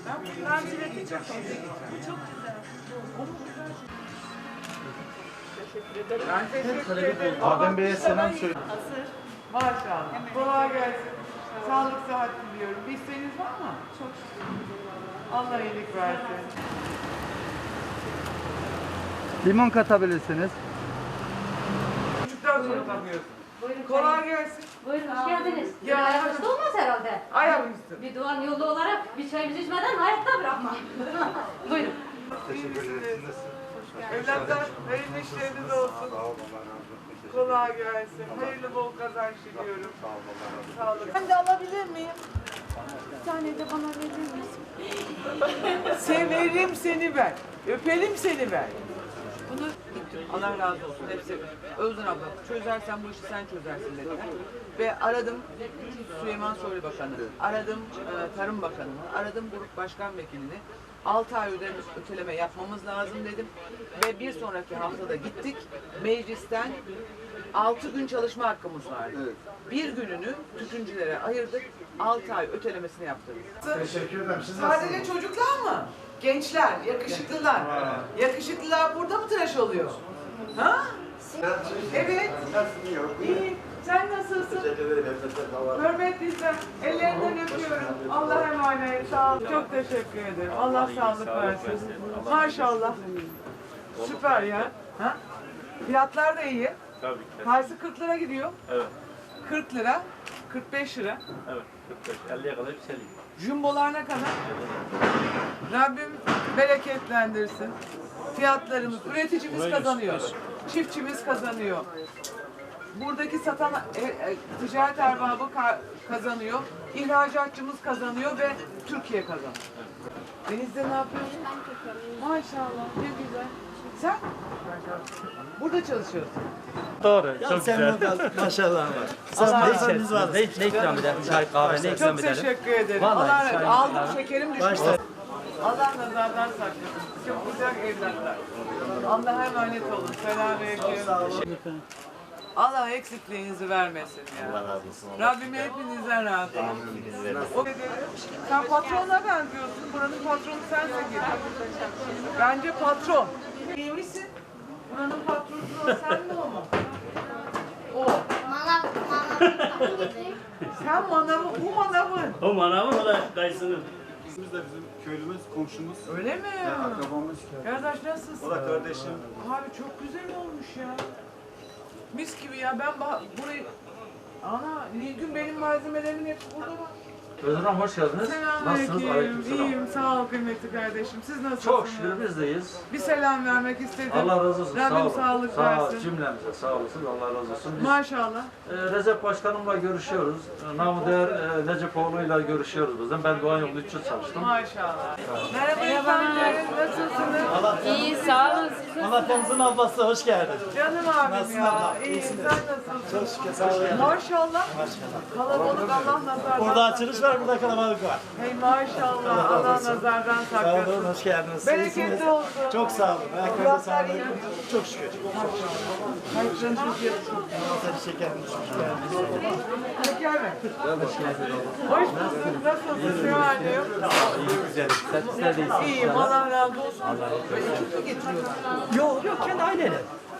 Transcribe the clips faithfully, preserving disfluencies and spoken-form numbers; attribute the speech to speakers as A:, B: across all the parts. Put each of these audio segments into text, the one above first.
A: Ben bundan zileti çok sevdim. Bu çok güzel. Teşekkür ederim.
B: Ben teşekkür ederim.
C: Adem Bey'e selam söyle.
A: Hazır.
B: Maşallah. Kolay gelsin. Sağlık sıhhat diliyorum. Bir isteğiniz var mı?
A: Çok şükür.
B: Allah iyilik versin.
C: Limon katabilirsiniz.
B: Çocuktan sonra takıyorsun.
D: Buyurun.
B: Kolay gelsin.
D: Buyurun, hoş geldiniz.
B: Ya.
D: Ya. Ayaküstü olmaz herhalde.
B: Ayaküstü.
D: Bir duan yolu olarak bir çayımızı içmeden hayatta bırakma. Buyurun.
C: Teşekkür ederiz.
B: Evlatlar hayırlı işleriniz olsun. Kolay gelsin. Hayırlı bol kazanç diliyorum. Sağ olun. Ben de alabilir miyim?
A: Bir tane de bana verir misin?
B: Severim seni ben. Öpelim seni ben. Bunu Allah razı olsun hepsi. Özden abla çözersen bu işi sen çözersin dediler. Ve aradım Süleyman Soylu Bakanı, aradım e, Tarım Bakanı'nı, aradım Grup Başkan Vekilini. altı ay ödeme, öteleme yapmamız lazım dedim. Ve bir sonraki haftada gittik. Meclisten altı gün çalışma hakkımız vardı.
C: Evet.
B: Bir gününü tütüncülere ayırdık. altı ay ötelemesini yaptırdık.
C: Teşekkür ederim. Siz
B: Sadece çocuklar mı? Gençler, yakışıklılar. Yakışıklılar burada mı tıraş oluyor? Ha? Evet. İyi. Sen nasılsın? Hürmetliysen ellerinden öpüyorum. Allah'a emanet. Sağ ol. Çok teşekkür ederim. Allah sağlık versin. Maşallah. Süper ya. Ha? Fiyatlar da iyi.
E: Tabii ki.
B: Tanesi kırk lira gidiyor.
E: Evet.
B: kırk lira, kırk beş lira.
E: Evet. kırk beş elliye kadar yükseliyor.
B: Jumbolar ne kadar? Rabbim bereketlendirsin. Fiyatlarımız, üreticimiz kazanıyor. Çiftçimiz kazanıyor. Buradaki satan e, e, ticaret erbabı ka- kazanıyor. İhracatçımız kazanıyor ve Türkiye kazanıyor. Deniz'de ne yapıyorsun? Maşallah ne güzel. Sen? Burada çalışıyorsun.
E: Doğru.
F: Ya
E: çok
F: sen
E: güzel.
F: burada maşallah var.
B: Allah
F: Sen
B: razı
F: varsan
B: olsun.
F: biz varız.
G: Ne, ne ikram edelim? Çay, kahve ne ikram
B: Çok
G: edelim?
B: teşekkür ederim.
G: Vallahi
B: Allah razı
G: çay-
B: Aldım
G: kahve.
B: şekerim düştü.
F: Başta.
B: Allah nazardan saklasın. Çok güzel evlatlar. Allah'a emanet olun. Selamünaleyküm. Allah eksikliğinizi vermesin ya.
F: Allah razı olsun.
B: Rabbim hepinizden razı olsun. O sen patrona benziyorsun. Buranın patronu sensin gibi. Bence patron. İyi misin? Buranın patronu o, sen mi o mu? O.
H: Manav, manav gibi.
B: Sen manavı, bu manavın.
E: O manavı o da dayısının.
C: Biz de bizim köylümüz, komşumuz,
B: Öyle mi?
C: akrabamız.
B: Kardeş nasılsın?
C: O da kardeşim.
B: Abi çok güzel olmuş ya. Mis gibi ya. Ben bah- burayı... Ana, Nilgün benim malzemelerimin hepsi burada bak.
G: Özlem hoş geldiniz. Nasılsınız?
B: Selamünaleyküm.
G: Aleykümselam.
B: İyiyim, sağ ol kıymetli kardeşim. Siz nasılsınız?
G: Çok şükür biz deyiz.
B: Bir selam vermek istedim.
G: Allah razı olsun.
B: Rabbim
G: sağ olun.
B: sağlık
G: sağ
B: versin.
G: Cümlemize sağ olasın. Allah razı olsun. Biz
B: Maşallah.
G: e, Recep Başkanımla görüşüyoruz. E, Namı değer e, Necepoğlu'yla görüşüyoruz bizden. Ben Doğan Yolu üç yıl çalıştım.
B: Maşallah. Merhaba efendim. Nasılsınız?
A: İyi, sağ olun.
F: Malatya'mızın ablası hoş geldin.
B: Canım abim
F: Nasılsın
B: ya.
F: abla?
B: İyiyim.
F: İyisiniz.
B: Sen nasılsın?
F: Çok şükür sağ olun.
B: Maşallah.
F: Maşallah.
B: Kalabalık Allah nazardan.
F: Burada açılış var, burada kalabalık var.
B: Hey maşallah. Allah nazardan
F: Sağ
B: saklasın.
F: olun, hoş geldiniz.
B: Bereketli
F: İyisiniz.
B: olsun.
F: Çok sağ olun. Ayaklarınıza sağlık. Çok şükür.
B: Kayıtlarınızı yapın.
F: Tabii şekerim düşmüş. geldiniz.
B: Şeker mi? Hoş bulduk. Nasılsın Süha'cığım?
G: Güzel. Sen de
B: İyiyim. Allah razı olsun. Ekip mi getiriyorsun?
G: Yok yok kendi aileler.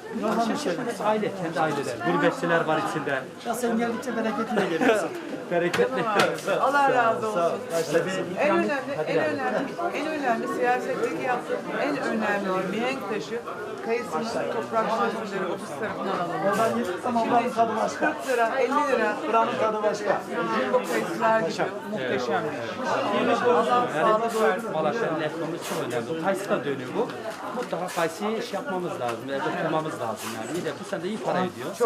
G: Aile, kendi aileler. Gurbetçiler var içinde.
F: Ya sen geldikçe bereketle geliyorsun.
G: Bereketli.
B: Allah razı olsun. En
G: İkram-
B: önemli,
G: Hadi
B: en
G: yani.
B: önemli, en önemli siyasetteki yaptığım en önemli mihenk taşı kayısının toprak sözleri ofis tarafından alınıyor.
F: Oradan gelirsem ablanın tadı başka.
B: kırk lira, elli lira
F: Buranın tadı başka.
B: jumbo kayısılar gibi muhteşem bir iş. Allah sağlık versin.
G: Malatya'nın ekonomisi çok önemli. Kayısıda dönüyor bu. Mutlaka kayısıyı iş yapmamız lazım. Evde tutmamız lazım yani. İyi de bu sene de iyi para ediyor.